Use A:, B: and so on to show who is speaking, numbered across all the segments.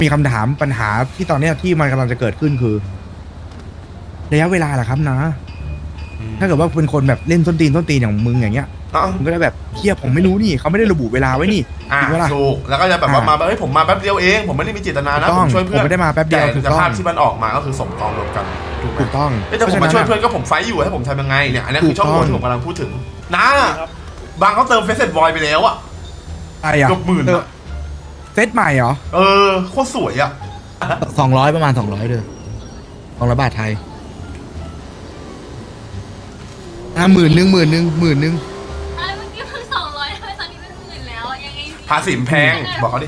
A: มีคำถามปัญหาที่ตอนเนี้ยที่มันกำลังจะเกิดขึ้นคือระยะเวลาแหละครับนะถ้าเกิดว่าเป็นคนแบบเล่นส้นตีนอย่างมึงอย่างเงี้ยมึงก็ได้แบบเทียบผมไม่รู้นี่เขาไม่ได้ระบุเวลาไว้นี่
B: ถูกแล้วก็จะแบบว่ามาเฮ้ยผมมาแป๊บเดียวเองผมไม่ได้มีเจตนานะผมช่วยเพื่อน
A: ผมไม่ได้มาแป๊บเดียว
B: แต่ภาพที่มันออกมาก็คือสมกองรวมกัน
A: ถูกต้อง
B: แต่ผมมาช่วยเพื่อนก็ผมไฟอยู่ให้ผมทำยังไงเนี่ยอันนี้คือช่องโหว่ที่ผมกำลังพูดถึงนะบางเขาเติมเฟซเซ็ตบอยไปแล้วอะเกือบ10,000
A: เซตใหม่เหรอ
B: โคตรสวยอะ
A: 200ประมาณ200เลย200 บาทไทย10,000 10,000 10,000
C: เมื่อกี้เพิ่ง200ทำไมตอนนี้เป็น10,000แล้วยังไง
B: ภาษีแพงบอกเขาดิ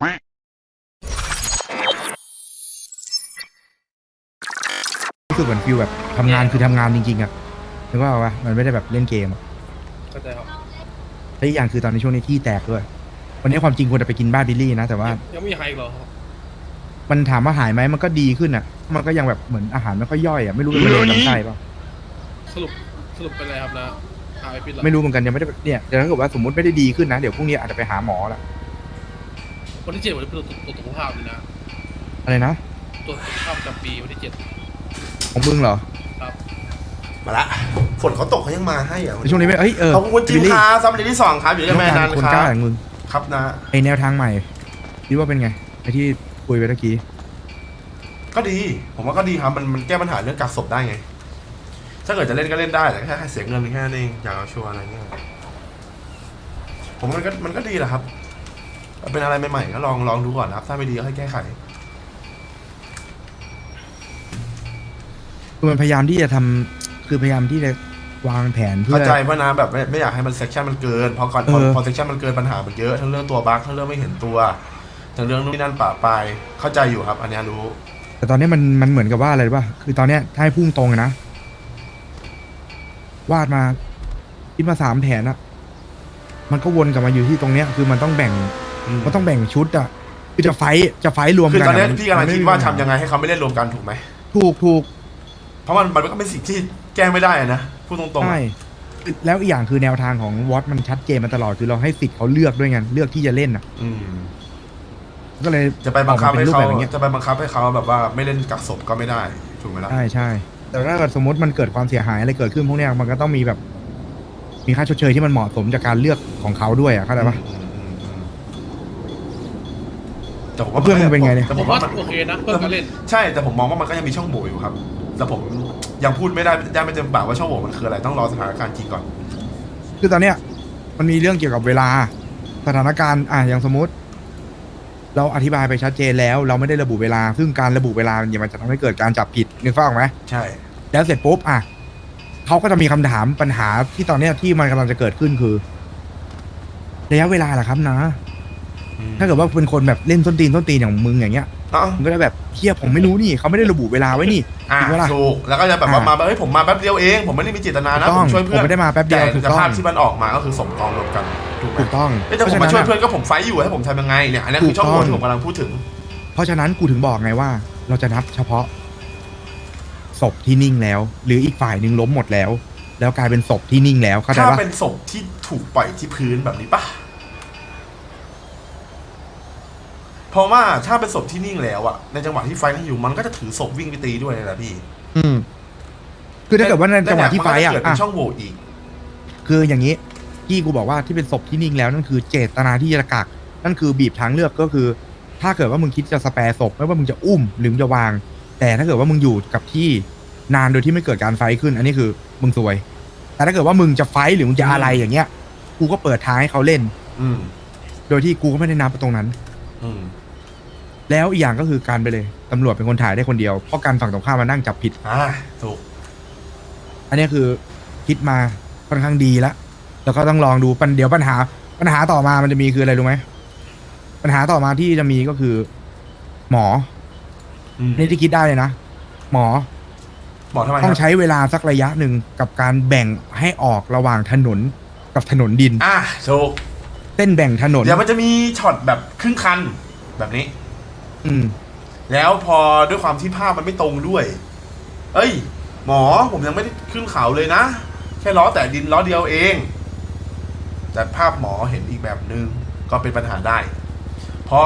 A: รู้สึกเหมือนฟิลแบบทำงานคือทำงานจริงๆอะนึกว่าว่ามันไม่ได้แบบเล่นเกม
D: เข้าใจครับ
A: และอีกอย่างคือตอนในช่วงนี้ที่แตกด้วยวันนี้ความจริงควรจะไปกินบ้านบิลลี่นะแต่ว่า
D: ยังไม่มีใครอีกเหรอครับ
A: มันถามว่าหายไหมมันก็ดีขึ้นอะมันก็ยังแบบเหมือนอาหารไม่ค่อยย่อยอะไม่รู้เป็นมะเร็งลำไส้เปล่า
D: สรุปเป็นอะไรครับนะหายไปแล้ว
A: ไม่รู้เหมือนกันยังไม่ได้เนี่ยแต่ถ้าเกิดว่าสมมติไม่ได้ดีขึ้นนะเดี๋ยวพรุ่งนี้อาจจะไปหาหมอละ
D: วันที่7วันนี้เป็นตัวสุขภาพเลยนะ
A: อะไรนะ
D: ตัวสุขภาพประจำปีวันที่7
A: ของมึงเหรอ
D: ครับ
B: มาละฝนเขาตกเขายังมาให้อ่ะ
A: ช่วงนี้ไม่
B: ขอบคุณจิมคาซัมเดย์ที่2ครับอยู่ที่แม่นัน
A: คนกล้าอย่างมึง
B: ครับนะ
A: ไอแนวทางใหม่คิดว่าเป็นไงไอที่คุยไปเมื่อกี้
B: ก็ดีผมว่าก็ดีครับมันแก้ปัญหาเรื่องกักศพได้ไงถ้าเกิดจะเล่นก็เล่นได้แต่แค่เสียเงินแค่นั้นเองอยากเอาชัวร์อะไรเงี้ยผมมันก็ดีแหละครับเป็นอะไรใหม่ๆก็ลองดูก่อนนะครับถ้าไม่ดีก็ให้แก้ไข
A: คือมันพยายามที่จะทำคือพยายามที่จะวางแผนเพื่อ
B: เข้าใจว่านะแบบไม่อยากให้มันเซกชันมันเกินพอเซกชันมันเกินปัญหามันเยอะทั้งเรื่องตัวบั๊กทั้งเรื่องไม่เห็นตัวทั้งเรื่องนู่นนี่นั่นป่าปลายเข้าใจอยู่ครับอันนี้รู้
A: แต่ตอนนี้มันเหมือนกับว่าอะไรป่ะคือตอนเนี้ยถ้าให้พุ่งตรงนะวาดมาคิดมา3 แผนอะมันก็วนกลับมาอยู่ที่ตรงเนี้ยคือมันต้องแบ่งชุดอะคือจะไฟรวมกัน
B: คือตอนนี้พี่กำลังคิดว่าทำยังไงให้เขาไม่เล่นรวมกันถูกไหม
A: ถูก
B: เพราะมันก็เป็นสิ่งที่แก้ไม่ได้นะพูดตรงๆ
A: ใช่แล้วอีกอย่างคือแนวทางของวอตมันชัดเจนมาตลอดคือเราให้สิทธิ์เขาเลือกด้วยไงเลือกที่จะเล่นอะก็เลย
B: จะไปบังคับให้เขาแบบว่าไม่เล่นกักศพก็ไม่ได้ถูกไหมล่ะ
A: ใช่แต่ถ้าเกิดสมมติมันเกิดความเสียหายอะไรเกิดขึ้นพวกเนี้ยมันก็ต้องมีแบบมีค่าชดเชยที่มันเหมาะสมจากการเลือกของเขาด้วยเข้าใจปะ
B: แต่ผมว่า
A: เพื่อนมึงเป็นไงเนี่ย
D: แต่ผมว่าโอเคนะเพื่อนก็เล่น
B: ใช่แต่ผมมองว่ามันก็ยังมีช่องโหว่อยู่ครับแต่ผมยังพูดไม่ได้ไม่เต็มปากว่าช่องโหว่มันคืออะไรต้องรอสถานการณ์จริงก่อน
A: คือตอนเนี้ยมันมีเรื่องเกี่ยวกับเวลาสถานการณ์อย่างสมมติเราอธิบายไปชัดเจนแล้วเราไม่ได้ระบุเวลาซึ่งการระบุเวลาเนี่ยมันจะทำให้เกิดการจับผิดนึกภาพออกไหม
B: ใช่
A: แล้วเสร็จปุ๊บเขาก็จะมีคำถามปัญหาที่ตอนเนี้ยที่มันกำลังจะเกิดขึ้นคือระยะเวลาแหละครับนะถ้าเกิดว่าเป็นคนแบบเล่นส้นตีนอย่างมึงอย่างเงี้ยมึงก็ได้แบบเทียบผมไม่รู้นี่เขาไม่ได้ระบุเวลาไว้นี่
B: ถูกแล้วก็จะแบบว่ามาเฮ้ยผมมาแป๊บเดียวเองผมไม่ได้มีเจตนานะผมช่วยเพื่อน
A: ผมไม่ได้มาแป๊บเดียว
B: แต่ภาพที่มันออกมาก็คือสมกองรวมกัน
A: ถูกต้อง
B: แต่ผมมาช่วยเพื่อนก็ผมไฟอยู่ให้ผมทำยังไงเนี่ยอันนี้คือช่องโหว่ที่ผมกำลังพูดถึง
A: เพราะฉะนั้นกูถึงบอกไงว่าเราจะนับเฉพาะศพที่นิ่งแล้วหรืออีกฝ่ายหนึ่งล้มหมดแล้วกลายเป็นศพที่นิ่งแล้วเข้าใจปะ
B: ถ้าเป็นศพที่ถูกปล่อยที่พื้นแบบนี้ปะเพราะว่าถ้าเป็นศพที่นิ่งแล้วอะในจังหวะที่ไฟนั่งอยู่มันก็จะถือศพวิ่งไปตีด้วยนะพี่
A: คือถ้าเกิดว่าในจังหวะที่ไฟ
B: เกิดเป็นช่องโหว่อีก
A: คืออย่างนี้ที่กูบอกว่าที่เป็นศพที่นิ่งแล้วนั่นคือเจตนาที่จะกักนั่นคือบีบทางเลือกก็คือถ้าเกิดว่ามึงคิดจะสแปร์ศพไม่ว่ามึงจะอุ้มหรือมึงจะวางแต่ถ้าเกิดว่ามึงอยู่กับที่นานโดยที่ไม่เกิดการไฟขึ้นอันนี้คือมึงซวยแต่ถ้าเกิดว่ามึงจะไฟหรือมึงจะอะไรอย่างเงี้ยกูก็เปิดทางให้เขาเล่นโดยที่กูก็ไม่ได้นับตรงนั้นแล้วอีกอย่างก็คือการไปเลยตำรวจเป็นคนถ่ายได้คนเดียวเพราะการฝั่งตรงข้ามมานั่งจับผิด
B: ถูก
A: อันนี้คือคิดมาค่อนข้างดีแล้วก็ต้องลองดูเดี๋ยวปัญหาต่อมามันจะมีคืออะไรรู้ไหมปัญหาต่อมาที่จะมีก็คือหมอนี่ที่คิดได้เลยนะหมอ
B: ทำไม
A: ต้องใช้เวลาสักระยะหนึ่งกับการแบ่งให้ออกระหว่างถนนกับถนนดิน
B: ถูก
A: เส้นแบ่งถนน
B: เดี๋ยวมันจะมีช็อตแบบครึ่งคันแบบนี้แล้วพอด้วยความที่ภาพมันไม่ตรงด้วยเอ้ยหมอผมยังไม่ได้ขึ้นเขาเลยนะแค่ล้อแต่ดินล้อเดียวเองแต่ภาพหมอเห็นอีกแบบนึงก็เป็นปัญหาได้เพราะ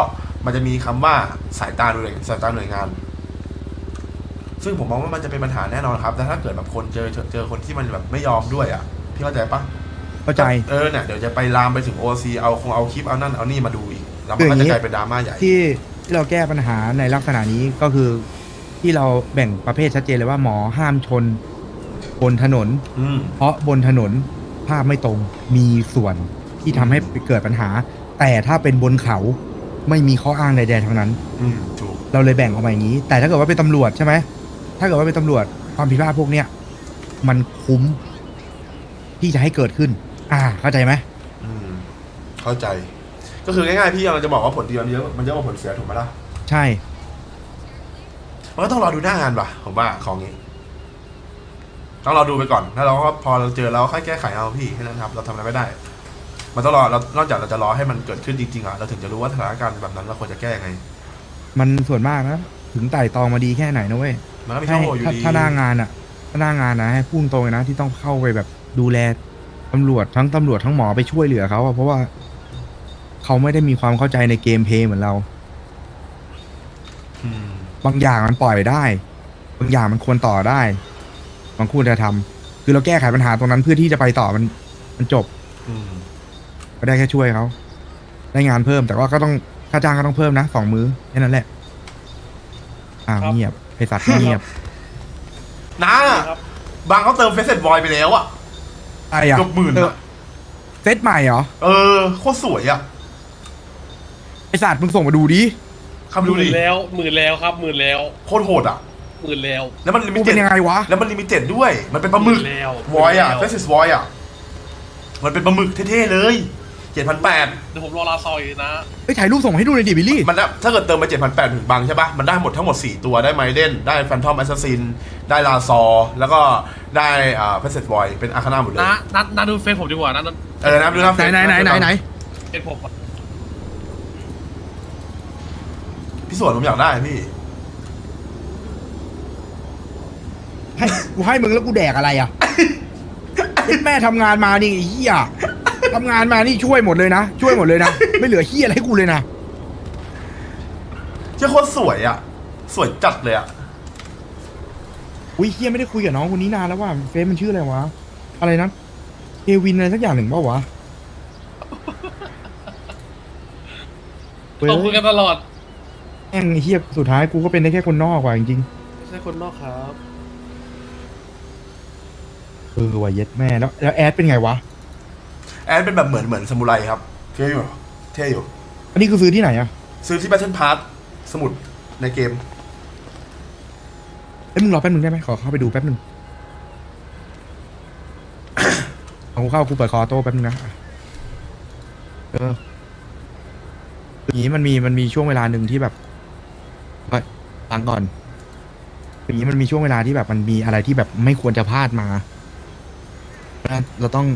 B: มันจะมีคำว่าสายตาหน่วยงาน ซึ่งผมมองว่ามันจะเป็นปัญหาแน่นอนครับแต่ถ้าเกิดแบบคนเจอคนที่มันแบบไม่ยอมด้วยอ่ะพี่เข้าใจปะ
A: เข้าใจ
B: เนี่ยเดี๋ยวจะไปลามไปถึง OC เอาคลิปเอานั่นเอานี่มาดูอีกแล้วมันก็จะกลายเป็นดราม่าใหญ่
A: ที่เราแก้ปัญหาในลักษณะนี้ก็คือที่เราแบ่งประเภทชัดเจนเลยว่าหมอห้ามชนบนถนน เพราะบนถนนภาพไม่ตรงมีส่วนที่ทำให้เกิดปัญหา แต่ถ้าเป็นบนเขาไม่มีข้ออ้างใดๆทั้งนั้น
B: ถูก
A: เราเลยแบ่งออกมาอย่างนี้ แต่ถ้าเกิดว่าเป็นตำรวจใช่ไหมถ้าเกิดว่าเป็นตำรวจความผิดพลาดพวกเนี้ยมันคุ้มที่จะให้เกิดขึ้น เข้าใจไหม
B: เข้าใจ ก็คือง่ายๆพี่เราจะบอกว่าผลดีมันเยอะกว่าผลเสียถูกไหมล่ะ
A: ใช่
B: มันก็ต้องรอดูหน้างานป่ะผมว่าของนี้ต้องรอดูไปก่อนแล้วเราก็พอเราเจอเราค่อยแก้ไขเอาพี่แค่นั้นครับเราทำอะไรไม่ได้ มันต้องรอเรานอกจากเราจะรอให้มันเกิดขึ้นจริงๆอ่ะเราถึงจะรู้ว่าสถานการณ์แบบนั้นเราควรจะแก้ยังไง
A: มันส่วนมากนะถึงไต่ตองมาดีแค่ไหนนะเว้ย
B: มันก็มีช่องโหว่อยู่ดี
A: ถ้าหน้างานอ่ะถ้าหน้างานนะให้พุ่งตรงเลยนะที่ต้องเข้าไปแบบดูแลตำรวจทั้งหมอไปช่วยเหลือเขาอะเพราะว่าเขาไม่ได้มีความเข้าใจในเกมเพลย์เหมือนเรา
B: อืม
A: บางอย่างมันปล่อยได้ บางอย่างมันควรต่อได้บางควรจะทำคือเราแก้ไขปัญหาตรงนั้นเพื่อที่จะไปต่อมันจบ
B: อืม
A: ก็ได้แค่ช่วยเขาได้งานเพิ่มแต่ว่าก็ต้องค่าจ้างก็ต้องเพิ่มนะ2 มื้อแค่นั้นแหละเงียบไอสัตว์เงียบ
D: ครับ
B: บางเขาเติมเฟซเซ็ตบอยไปแล้วอ่ะ
A: ไอ้อะ
B: เกือบหมื่นอะ
A: เซตใหม่เหรอ
B: โคตรสวยอ่ะ
A: ไอสัตว์มึงส่งมาดูดิ
B: คำดูดิ
D: หมื่นแล้วครับหมื่นแล้ว
B: โคตรโหดอ่ะ
D: หมื่นแล้ว
B: แล้วมันลิมิ
A: กู
B: เต็
A: เป็
B: ด
A: นยังไงวะ
B: แล้วมันลิมิเต็ดด้วย มันเป็นปลาหมึก
D: แล้ว
B: วอยอ่ะ
D: แล้ว
B: เฟซเซ็ตวอยอ่ะมันเป็นปลาหมึกเท่ๆเลย7,800
D: เดี๋ยวผมรอลาซอยนะ
A: ไปถ่ายรูปส่งให้ดูหน่อยดิบิลลี่
B: มันนะถ้าเกิดเติมไป7,800ถึงบังใช่ปะมันได้หมดทั้งหมด4ตัวได้ไมเดนได้แฟนทอมแอสซัสซินได้ลาซอแล้วก็ได้เฟซเซ็ตวอยเป็นอาคาน่าหมดเลย
D: นัดดูเฟซผมดีกว่านะ
B: นะดูนะ
A: ไหน
D: เฟซผม
B: พี่สวนผมอยากได้พี่
A: ให้กูให้มึงแล้วกูแดกอะไรอ่ะ แม่ทำงานมานี่ไอ้เหี้ยทำงานมานี่ช่วยหมดเลยนะช่วยหมดเลยนะไม่เหลือเหี้ยอะไรให้กูเลยนะ
B: เจ้าโคตรสวยอ่ะ สวยจัดเลยอ่ะ
A: อุ้ยเหี้ยไม่ได้คุยกับน้องคนนี้นานแล้วว่าเฟซมันชื่ออะไรวะอะไรนะเควินอะไรสักอย่างหนึ่งเปล่าวะ
D: ต้องคุยกันตลอด
A: แม่งไอ้เหี้ยสุดท้ายกูก็เป็นได้แค่คนนอกว่ะจริง
D: ไม่ใช่คนนอกครับ
A: ๆว่ะเย็ดแม่แล้วแอดเป็นไงวะ
B: แอนเป็นแบบเหมือนซามูไรครับเท่อยู่เท่อยู่
A: อันนี้คือซื้อที่ไหนอ่ะ
B: ซื้อที่ Battle Pass สมุดในเกม
A: เอ้ยมึงรอแป๊บนึงได้ไหมขอเข้าไปดูแป๊บนึง เอากูเข้ากูเปิดคอโต้แป๊บนึงนะอย่างนี้มันมีช่วงเวลาหนึ่งที่แบบฟังก่อนอย่างนี้มันมีช่วงเวลาที่แบบมันมีอะไรที่แบบไม่ควรจะพลาดมาเพราะฉะนั้นเราต้อง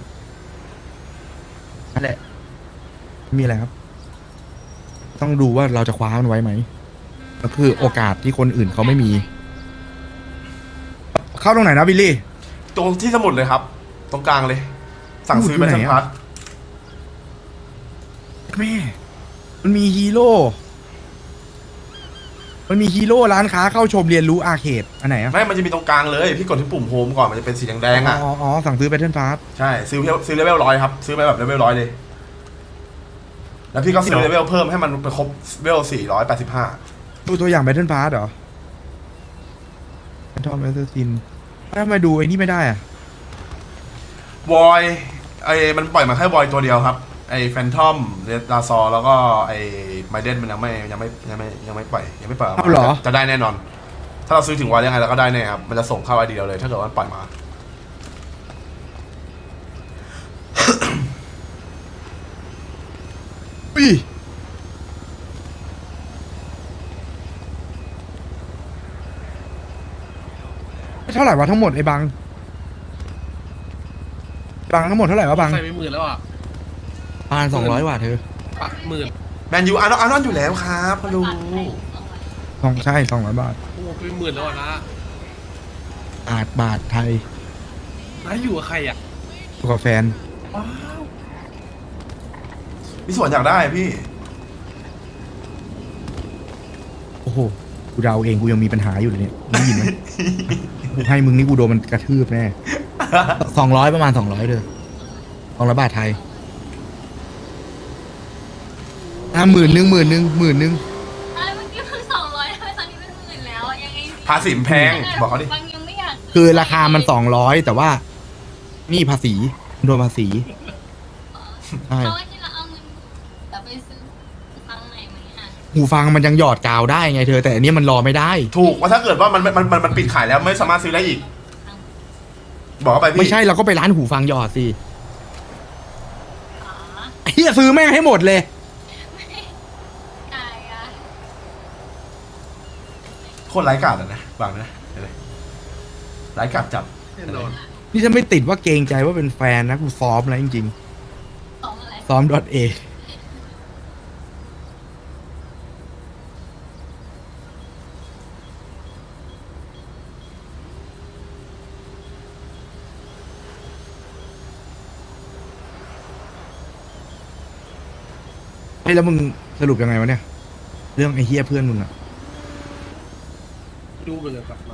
A: นั่นแหละไม่มีอะไรครับ ต้องดูว่าเราจะคว้ามันไว้ไหมก็คือโอกาสที่คนอื่นเขาไม่มี เข้าตรงไหนนะบิลลี่
B: ตรงที่สมุดเลยครับ ตรงกลางเลย สั่งซื้อ
A: อยู่ไหน
B: Battle
A: อะ
B: Pass
A: แม่ มันมีฮีโร่ มันมีฮีโร่ร้านค้าเข้าชมเรียนรู้อาร์เคดอันไหนอ่ะ
B: ไม่ มันจะมีตรงกลางเลย พี่กดที่ปุ่มโฮมก่อน มันจะเป็นสีแดงๆอ่ะ
A: อ๋อ สั่งซื้อแบทเทิลฟาส
B: ใช่ ซื้อเลเวล100ครับ ซื้อไปแบบเลเวล100เลย แล้วพี่ก็ซื้อเลเวลเพิ่มให้มันไปครบเลเวล485
A: ดูตัวอย่างแบทเทิลฟาสเหรอแฟนทอมแอสซัสซินทำไมดูไอ้นี่ไม่ได้อ่ะ
B: วอยมันปล่อยมาแค่วอยตัวเดียวครับ ไอแฟนทอมเรดลาซอแล้วก็ไอไมเดนมันยังไม่ปล่อยยังไม่ปล่อยออก
A: เอาเหรอ
B: มาจะได้แน่นอน ถ้าเราซื้อถึงวอยยังไงเราก็ได้แน่ครับ มันจะส่งเข้าไอเดียเลย ถ้าเกิดว่ามันปล่อยมา
A: อุ้ยเท่าไหร่วะทั้งหมดไอ้บังทั้งหมดเท่าไหร่วะบัง
D: ใส่ไปหมื่นแล้วอ่ะ
A: ประมาณ200 บาทเธอ
D: ปะหมื่น
B: แมนยูอานอนอยู่แล้วครับพะลู
A: ใช่200 บาท
D: โอ้โหไปหมื่นแล้วอ่ะนะ
A: บาทไทย
D: น้าอยู่กับใครอ่ะ
A: อยู่กับแฟน
D: ว้าว
B: พี่สวนอยากได้พี่
A: โอ้โหกูเดาเองกูยังมีปัญหาอยู่เลยเนี่ยมึงได้ยินไหม กูให้มึงนี่กูโดนมันกระทืบแน่ 200ประมาณ200เลย200 บาทไทยหมื่นหนึ่ง
C: อะไรเมื่อกี้เพิ่ง200ทำไมตอนนี้เป็นหมื่นแล้วยังไง
B: ภาษีมันแพงบอกเขาดิ
C: บางยังไม่อยาก
A: คือราคามัน200แต่ว่านี่ภาษีโดนภาษีใช่
C: เพราะว่าที่เราเอาเงินแต่ไปซื้อฟังไหนไหมอ่ะ
A: หูฟังมันยังหยอดกาวได้ไงเธอ แต่อันนี้มันรอไม่ได้
B: ถูกว่าถ้าเกิดว่ามันปิดขายแล้วไม่สามารถซื้อได้อีก บอกเขาไปพี่
A: ไม่ใช่เราก็ไปร้านหูฟังหยอดสิ
C: อ๋อ
A: ไอ้เหี้ยซื้อแม่งให้หมดเลย
C: ตายอ่ะ
B: โคตรไร้กาดอ่ะนะฟังนะเห็นไหมไร้กาดจับ
D: แน่นอน
A: นี่ถ้าไม่ติดว่าเกรงใจว่าเป็นแฟนนะกูซ้อมแล้วจริง
C: สองอะไร
A: ๆซ้อมดอทเอเฮ้ยแล้วมึงสรุปยังไงวะเนี่ย เรื่องไอ้เฮียเพื่อนมึงอะ
D: ดูไปเลยกลับมา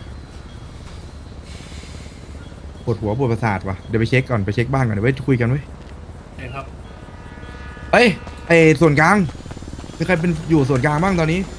A: ปวดหัวปวดประสาทวะเดี๋ยวไปเช็คก่อนไปเช็คบ้านก่อนเดี๋ยวไว้คุยกันเว้ย
D: เองครับ
A: เอ้ยไอ้ส่วนกลางมีใครเป็นอยู่ส่วนกลางบ้างตอนนี้